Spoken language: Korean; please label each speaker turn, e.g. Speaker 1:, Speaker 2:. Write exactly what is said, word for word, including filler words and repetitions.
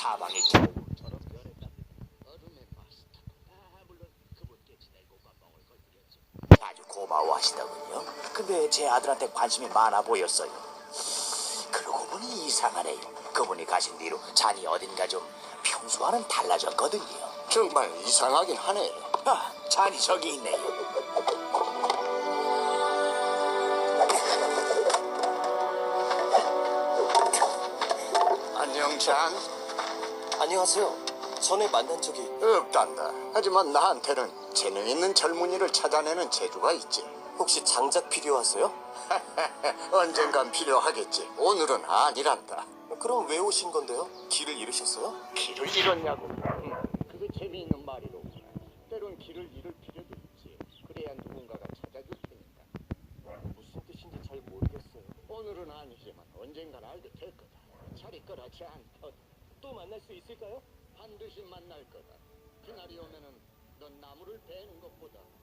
Speaker 1: 사방에 겨울처럼 변했답니다. 얼음의 마스터. 아, 물론 그분께 지내고가 멍을 걸드렸죠. 아주 고마워하시더군요. 근데 제 아들한테 관심이 많아 보였어요. 그러고 보니 이상하네요. 그분이 가신 뒤로 잔이 어딘가 좀 평소와는 달라졌거든요.
Speaker 2: 정말 이상하긴 하네.
Speaker 1: 아, 잔이 저기 있네요.
Speaker 2: 안녕, 잔.
Speaker 3: 안녕하세요. 전에 만난 적이...
Speaker 2: 없단다. 하지만 나한테는 재능 있는 젊은이를 찾아내는 재주가 있지.
Speaker 3: 혹시 장작 필요하세요?
Speaker 2: 언젠간 필요하겠지. 오늘은 아니란다.
Speaker 3: 그럼 왜 오신 건데요? 길을 잃으셨어요?
Speaker 1: 길을 잃었냐고. 음, 그게 재미있는 말이로구나. 때론 길을 잃을 필요도 있지. 그래야 누군가가 찾아줄 테니까. 무슨 뜻인지 잘 모르겠어요. 오늘은 아니지만 언젠간 알게 될 거다. 잘 이끌어지 않더. 또 만날 수 있을까요? 반드시 만날 거다. 그날이 오면은 넌 나무를 베는 것보다